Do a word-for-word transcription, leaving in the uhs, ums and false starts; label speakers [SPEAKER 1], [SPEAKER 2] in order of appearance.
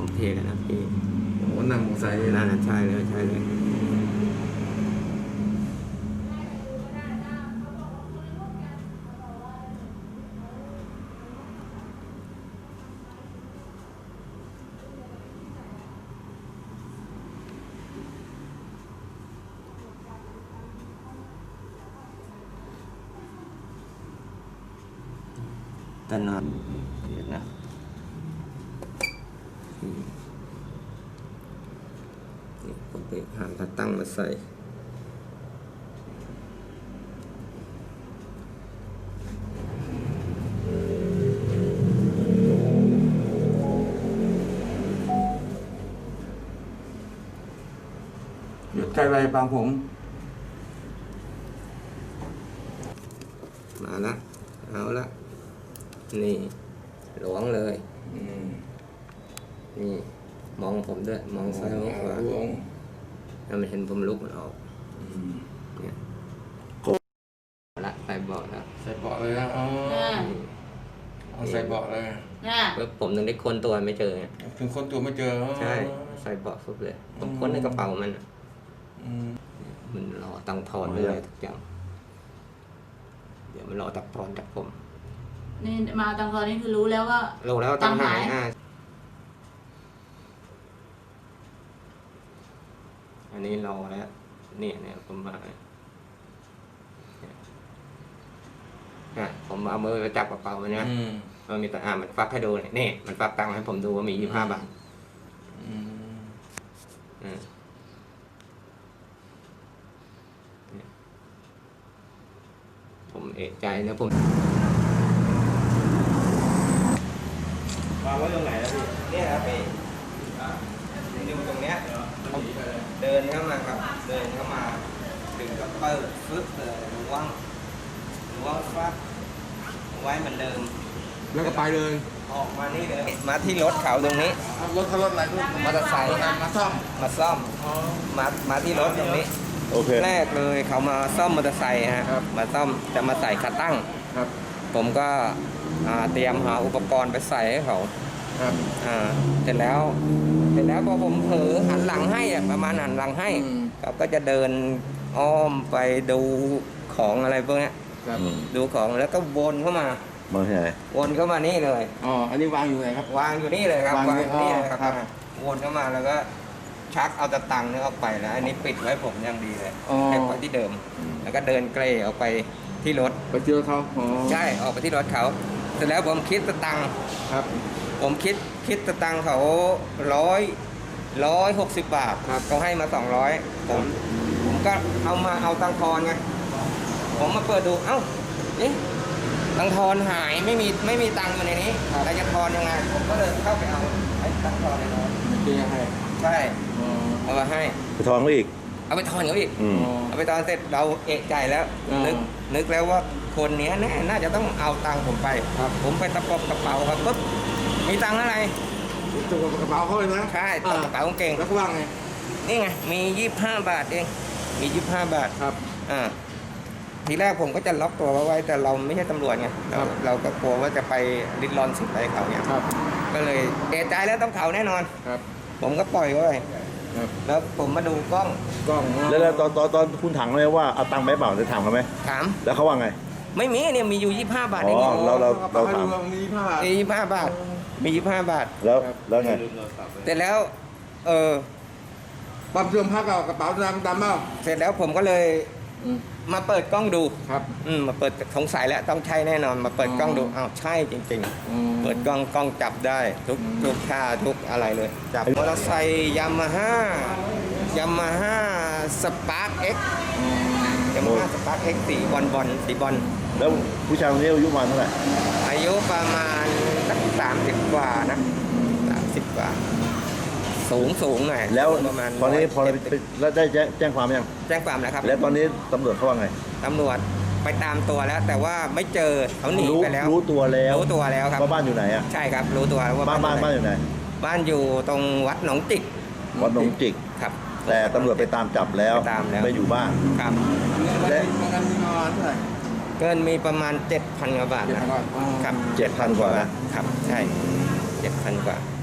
[SPEAKER 1] เทกันนะพี่
[SPEAKER 2] โอ้นั่งมอไซค์
[SPEAKER 1] นั่นใช่เลยใช่เลยแต่นอนเดี๋ยวนะนี่ผมไปหาตาตั้งมาใส่
[SPEAKER 2] หยุดใจไวบางผม
[SPEAKER 1] มาละเอาละนี่หลวงเลยนี่มองผมด้วยมองซ้ายมองขวาแล้วมันเห็นผมลุกมันออกเนี่ยละใส่เบาะแล้ว
[SPEAKER 2] ใส่เบาะเลยนะอ๋อเอาใส่เบาะเลย
[SPEAKER 1] เพื่อผมถึงได้ค้นตัวไม่เจอไง
[SPEAKER 2] ถึงคนตัวไม่เจอ
[SPEAKER 1] ใช่ใส่เบาะฟุบเลยผมค้นในกระเป๋ามันมันรอตังทอนเลยทุกอย่างเดี๋ยวมันรอตักทอนจากผม
[SPEAKER 3] นี่มาตังทอนนี่คือรู้แล้วว่า
[SPEAKER 1] รู้แล้วตังหายอันนี้รอแล้วเนี่ยเนี่ยผมมาเนี่ยผมเอามือไปจับกระเป๋ามันนะมันมีแต่อ่ามันฟักให้ดูเนี่ยนี่มันฟักตังค์ให้ผมดูว่ามียี่สิบห้าบาทผมเอะใจนะผมวางไว้ตรงไหนนะพี่เนี่ยครับพี่อยู่ตรงเนี้ยเดินเข้ามาครับเดินเข้ามาดึงกับเปิดฟึ๊บเลยล้วงล้วงฟักไว้เหมือนเดิม
[SPEAKER 2] แล้วก็ไปเลย
[SPEAKER 1] ออกมานี่เลยมาที่รถเขาตรงนี้
[SPEAKER 2] รถเขารถอะไร
[SPEAKER 1] มอเตอร์ไซค์
[SPEAKER 2] มาซ่อม
[SPEAKER 1] มาซ่อมมามาที่รถตรงนี้
[SPEAKER 2] โอเค
[SPEAKER 1] แรกเลยเขามาซ่อมมอเตอร์ไซค์ฮะมาซ่อมจะมาใส่ขาตั้ง
[SPEAKER 2] ครับ
[SPEAKER 1] ผมก็เตรียมหาอุปกรณ์ไปใส่ให้เขา
[SPEAKER 2] ครับ
[SPEAKER 1] อ่าเสร็จแล้วเสร็จแล้วพอผมเผลอหันหลังให้ประมาณหันหลังให้เขาก็จะเดินอ้อมไปดูของอะไรพวกนี้ดูของแล้วก็วนเข้ามา
[SPEAKER 2] มาไหน
[SPEAKER 1] วนเข้ามานี่เลย
[SPEAKER 2] อ๋ออันนี้วางอยู่ไหนครับ
[SPEAKER 1] วางอยู่นี่เลยครับวางอยู่นี่เลยครับวนเข้ามาแล้วก็ชักเอาตะตังค์นี่ออกไปแล้วอันนี้ปิดไว้ผมยังดีเลยให้ไว้ที่เดิมแล้วก็เดินเกรออกไปที่รถ
[SPEAKER 2] ไปที่รถเขา
[SPEAKER 1] ใช่ออกไปที่รถเขาเสร็จแล้วผมคิดตะตังค์
[SPEAKER 2] ครับ
[SPEAKER 1] ผมคิดคิดตะตังค์เขาร้อยร้อยหกสิบบาทเขาให้มาสองร้อยผมผมก็เอามาเอาตังค์ทอนไงผมมาเปิดดูเอ้านี่ตังค์ทอนหายไม่มีไม่มีตังค์อยู่ในนี้แต่จะทอนยังไงผมก็เลยเข้าไปเอาไอ้ตังค์ทอนในรถ
[SPEAKER 2] ดีให้
[SPEAKER 1] ใช่เอามาให้
[SPEAKER 4] ไปทอนเขาอีก
[SPEAKER 1] เอาไปทอนเขาอีกเอาไปทอนเสร็จเราเอะใจแล้วนึกนึกแล้วว่าคนนี้แน่น่าจะต้องเอาตังค์ผมไปผมไปตะปบกระเป๋าครับปุ๊บมีตังค์อะไร
[SPEAKER 2] ตะปบกระเป๋าเขาเลยนะ
[SPEAKER 1] ใช่ตะกระเป๋าเก่ง
[SPEAKER 2] แล้วก็ว่างไง
[SPEAKER 1] นี่ไงมียี่สิบห้าบาทเองมียี่สิบห้าบาท
[SPEAKER 2] ครับ
[SPEAKER 1] อ่าทีแรกผมก็จะล็อกตัวไว้แต่เราไม่ใช่ตำรวจไงเราเราก็กลัวว่าจะไปริดรอนสิทธิ์อะไรเขาเนี่ยก็เลยเอะใจแล้วต้องเขาแน่นอน
[SPEAKER 2] ครับ
[SPEAKER 1] ผมก็ปล่อยไว้แล้วผมมาดูกล้อง
[SPEAKER 2] กล้อง
[SPEAKER 4] แล้วตอนตอนตอนคุณถามเลยว่าเอาตังค์ไหมเปล่าจะถามเขาไหม
[SPEAKER 1] ถาม
[SPEAKER 4] แล้วเขาว่าไง
[SPEAKER 1] ไม่มีเนี่ยมีอยู่ยี่สิบห้าบาทเอง
[SPEAKER 4] เราเราเราถาม
[SPEAKER 2] มียี่สิบห้าบาท
[SPEAKER 1] มียี่สิบห้าบาทมียี่สิบห้าบาท
[SPEAKER 4] แล้วแล้วไง
[SPEAKER 1] เสร็จแล้วเออ
[SPEAKER 2] ปั๊มเสื่อมพักเอากระเป๋าดำดำเปล่า
[SPEAKER 1] เสร็จแล้วผมก็เลยมาเปิดกล้องดู
[SPEAKER 2] ครับ
[SPEAKER 1] อืมมาเปิดสงสัยแล้วต้องใช่แน่นอนมาเปิดกล้องดูอ้าวใช่จริงๆเปิดกล้องกล้องจับได้ทุกทุกท่าทุกอะไรเลยจับมอเตอร์ไซค์ยามาฮ่ายามาฮ่าสปาร์คเอ็กซ์ยามาฮ่าสปาร์คเอ็กซ์สีบอลบอลสีบอล
[SPEAKER 4] แล้วผู้ชายคนนี้อายุประมาณเท่าไหร่
[SPEAKER 1] อายุประมาณสักสามสิบกว่านะสามสิบกว่าสูงสูงหน่อย
[SPEAKER 4] แล้วตอนนี้พอเราแล้วได้แจ้งความยัง
[SPEAKER 1] แจ้งความแล้วครับ
[SPEAKER 4] แล้วตอนนี้ตำรวจเขาว่าไง
[SPEAKER 1] ตำรวจไปตามตัวแล้วแต่ว่าไม่เจอเขาหนีไปแล้ว
[SPEAKER 4] รู้ตัวแล้ว
[SPEAKER 1] รู้ตัวแล้วครับ
[SPEAKER 4] ว่าบ้านอยู่ไหนอ่ะ
[SPEAKER 1] ใช่ครับรู้ตัวว่า
[SPEAKER 4] บ้านบ้านบ้านอยู่ไหน
[SPEAKER 1] บ้านอยู่ตรงวัดหนองจิก
[SPEAKER 4] วัดหนองจิก
[SPEAKER 1] ครับ
[SPEAKER 4] แต่ตำรวจไปตามจับแล้ว
[SPEAKER 1] ตามแล้ว
[SPEAKER 4] ไม่อยู่บ้าน
[SPEAKER 1] ครับ
[SPEAKER 2] และ
[SPEAKER 1] เกินมีประมาณเจ็ดพันกว่าบาทนะครับ
[SPEAKER 4] เจ็ดพันกว่า
[SPEAKER 1] ครับใช่เจ็ดพันกว่า